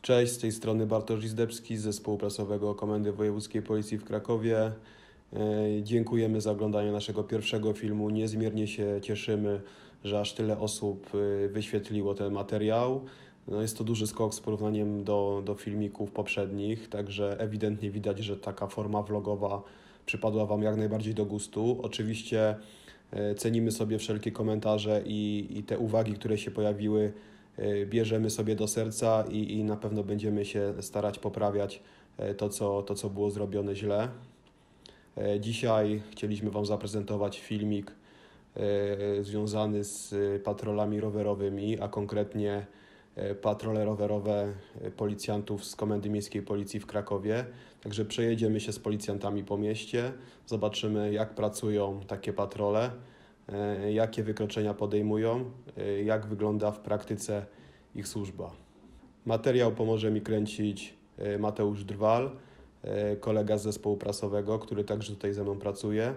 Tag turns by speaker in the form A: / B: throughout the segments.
A: Cześć, z tej strony Bartosz Izdebski z Zespołu Prasowego Komendy Wojewódzkiej Policji w Krakowie. Dziękujemy za oglądanie naszego pierwszego filmu. Niezmiernie się cieszymy, że aż tyle osób wyświetliło ten materiał. No jest to duży skok z porównaniem do filmików poprzednich, także ewidentnie widać, że taka forma vlogowa przypadła Wam jak najbardziej do gustu. Oczywiście cenimy sobie wszelkie komentarze i te uwagi, które się pojawiły, bierzemy sobie do serca i na pewno będziemy się starać poprawiać to, co było zrobione źle. Dzisiaj chcieliśmy Wam zaprezentować filmik związany z patrolami rowerowymi, a konkretnie patrole rowerowe policjantów z Komendy Miejskiej Policji w Krakowie. Także przejedziemy się z policjantami po mieście, zobaczymy, jak pracują takie patrole, jakie wykroczenia podejmują, jak wygląda w praktyce ich służba. Materiał pomoże mi kręcić Mateusz Drwal, kolega z zespołu prasowego, który także tutaj ze mną pracuje.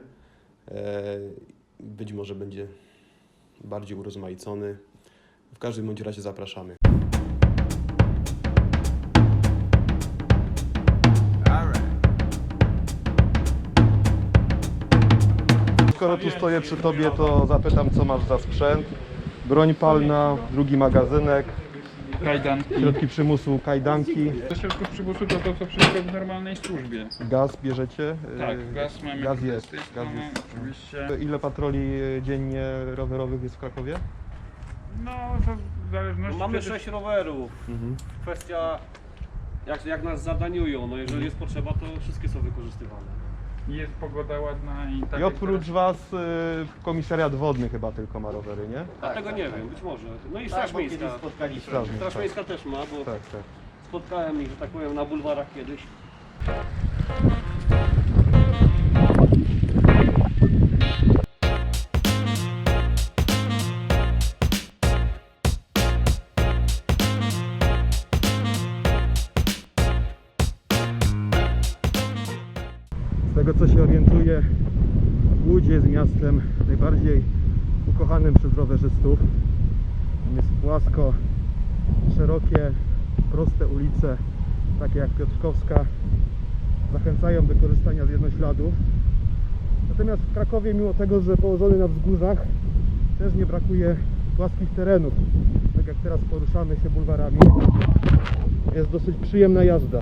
A: Być może będzie bardziej urozmaicony. W każdym bądź razie zapraszamy.
B: Skoro tu stoję przy Tobie, to zapytam, co masz za sprzęt. Broń palna, drugi magazynek,
C: Kajdanki.
B: środki przymusu, kajdanki.
C: Do środków przymusu to co wszystko w normalnej służbie.
B: Gaz bierzecie?
C: Tak, gaz mamy.
B: Gaz
C: tutaj
B: jest,
C: z tej
B: gaz
C: strony,
B: jest.
C: oczywiście.
B: Ile patroli dziennie rowerowych jest w Krakowie?
C: No to w zależności.
D: Mamy
C: wtedy-
D: 6 rowerów. Kwestia jak nas zadaniują. No jeżeli jest potrzeba, to wszystkie są wykorzystywane.
C: Jest pogoda ładna i tak.
B: I
C: jak
B: oprócz
C: teraz-
B: Was komisariat wodny chyba tylko ma rowery, nie?
D: A tego nie wiem, być może. No i Straż Miejska.
B: Strażnik,
D: Straż
B: tak.
D: Miejska też ma, bo
B: Tak, tak.
D: spotkałem ich, że tak powiem, na bulwarach kiedyś.
B: Z tego co się orientuję, Łódź jest miastem najbardziej ukochanym przez rowerzystów. Tam jest płasko, szerokie, proste ulice, takie jak Piotrkowska, zachęcają do korzystania z jednośladów. Natomiast w Krakowie, mimo tego, że położony na wzgórzach, też nie brakuje płaskich terenów. Tak jak teraz poruszamy się bulwarami, jest dosyć przyjemna jazda.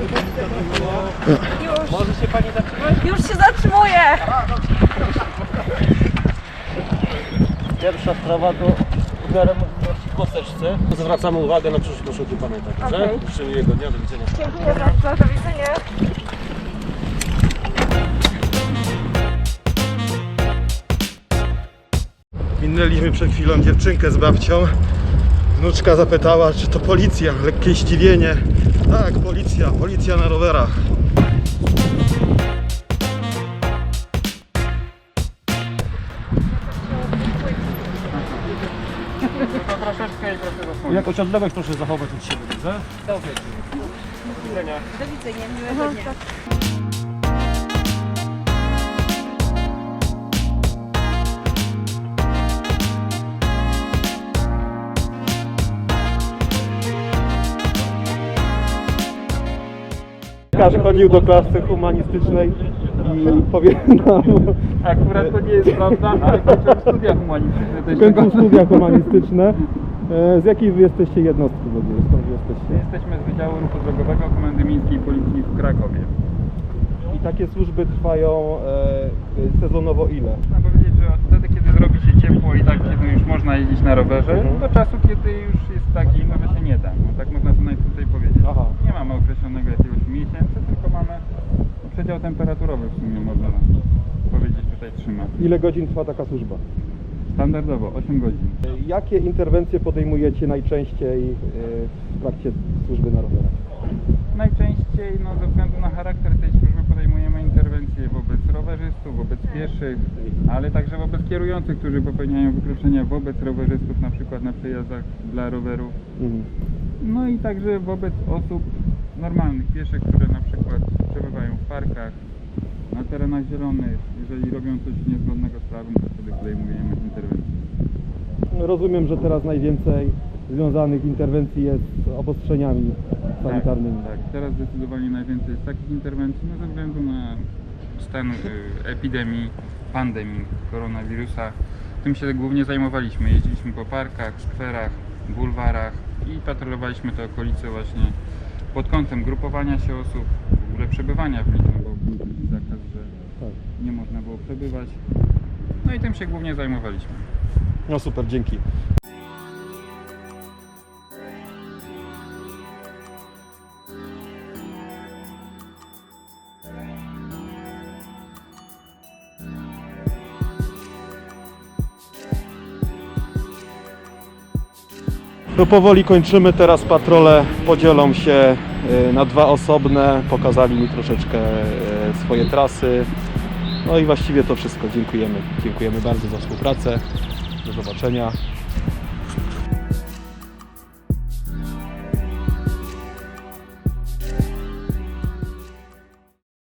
D: Może się pani zatrzymać?
E: Już się zatrzymuję!
D: Pierwsza sprawa to umiarem możliwości w kosteczce. Zwracamy uwagę na przyszłość, proszę o tym pamiętać. Dobrze?
E: Okej.
D: Życzę miłego dnia, do widzenia.
E: Dziękuję bardzo, do widzenia.
B: Minęliśmy przed chwilą dziewczynkę z babcią. Wnuczka zapytała, czy to policja. Lekkie zdziwienie. Tak, policja na rowerach.
C: To troszeczkę i proszę zasłonić.
D: Jakoś odległość proszę zachować od siebie, dobrze? Dobrze. Do widzenia.
E: Do widzenia, miłego dnia.
B: Łukasz chodził do klasy humanistycznej i powie nam,
C: Akurat to nie jest prawda, ale kończyłem studia humanistyczne. też
B: kończył
C: tego-
B: studia humanistyczne. Z jakiej wy jesteście jednostki w ogóle? Skąd wy jesteście?
C: Jesteśmy z Wydziału Ruchu Drogowego Komendy Miejskiej Policji w Krakowie.
B: I takie służby trwają sezonowo ile?
C: Można powiedzieć, że od wtedy, kiedy zrobi się ciepło i tak, kiedy już można jeździć na rowerze, do czasu, kiedy już jest tak zimno, że się nie da. No, tak można to najkrócej powiedzieć.
B: Aha.
C: Nie mamy określonego jakiegoś miesięcy, tylko mamy przedział temperaturowy w sumie można powiedzieć tutaj trzyma.
B: Ile godzin trwa taka służba?
C: Standardowo 8 godzin.
B: Jakie interwencje podejmujecie najczęściej w trakcie służby na rowerach?
C: Najczęściej no, ze względu na charakter tej służby podejmujemy interwencje wobec rowerzystów, wobec pieszych, ale także wobec kierujących, którzy popełniają wykroczenia wobec rowerzystów, na przykład na przejazdach dla rowerów. No i także wobec osób normalnych, pieszych, które na przykład przebywają w parkach, na terenach zielonych. Jeżeli robią coś niezgodnego z prawem, to wtedy podejmujemy interwencję.
B: Rozumiem, że teraz najwięcej związanych interwencji jest z obostrzeniami sanitarnymi.
C: Tak, teraz zdecydowanie najwięcej jest takich interwencji, no ze względu na stan epidemii, pandemii koronawirusa. Tym się głównie zajmowaliśmy. Jeździliśmy po parkach, skwerach, bulwarach i patrolowaliśmy te okolice właśnie pod kątem grupowania się osób, w ogóle przebywania w nich, no bo był taki zakaz, że nie można było przebywać. No i tym się głównie zajmowaliśmy.
B: No super, dzięki. No powoli kończymy, teraz patrole podzielą się na dwa osobne, pokazali mi troszeczkę swoje trasy. No i właściwie to wszystko, dziękujemy. Dziękujemy bardzo za współpracę, do zobaczenia.